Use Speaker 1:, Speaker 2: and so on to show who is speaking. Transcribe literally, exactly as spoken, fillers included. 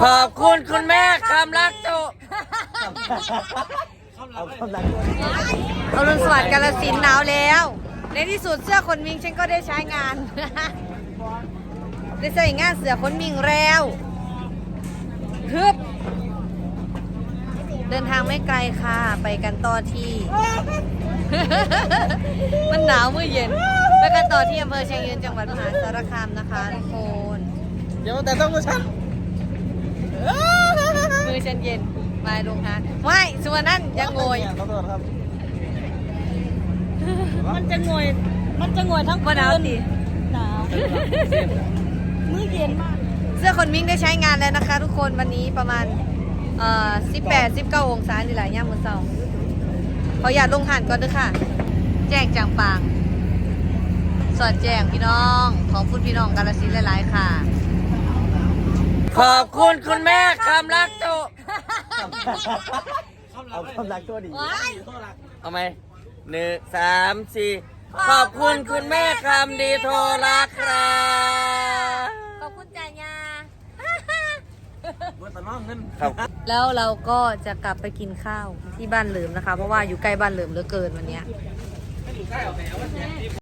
Speaker 1: ขอบคุณคุณแม่คำรักโจ
Speaker 2: เอาคำรักด้วย
Speaker 3: อรุณสวัสดิ์กาฬสินธุ์หนาวแล้ว ในที่สุดเสื้อขนมิงฉันก็ได้ใช้งาน ได้ใช้งานเสื้อขนมิงแล้วฮึบเดินทางไม่ไกลค่ะไปกันต่อที่ มันหนาวเมื่อเย็นไปกันต่อที่อำเภอเชียงยืนจังหวัดมหาสารคามนะคะทุกคน
Speaker 2: เดี๋ยวแต่ต้องมาฉัน
Speaker 3: มือฉันเย็นมาลงทานไม่ส่วนนั้นยังโงย
Speaker 2: ขอโทษครับ
Speaker 4: มันจะงวยมันจะงวยทั้งคื
Speaker 3: ว่าน หนาวดิ
Speaker 4: หนาวมื้อเย็นมาก
Speaker 3: เสื้อขนมิงได้ใช้งานแล้วนะคะ ทุกคนวันนี้ประมาณเอ่อสิบแปด สิบเก้าองศานี่แหละย่ามมื้อเช้าขออย่าลงหันก่อนด้วยค่ะ แจ้งจางปางสอดแจ้งพี่น้องขอบคุณพี่น้องกาฬสินธุ์หลายๆค่ะ
Speaker 1: ขอบคุณคุณแม่คำรักโจ
Speaker 2: เอาคำรักตัวดี
Speaker 1: เอาไหมหนึ่งสามสี่ขอบคุณคุณแม่คำดีโทรรักครับ
Speaker 3: ขอบคุณจ่ายยา
Speaker 2: เมื่อตอนน้องเงิน
Speaker 1: ครับ
Speaker 3: แล้วเราก็จะกลับไปกินข้าวที่บ้านเหลิมนะคะ เพราะว่าอยู่ใกล้บ้านเหลิมเหลือเกินวันเนี้ย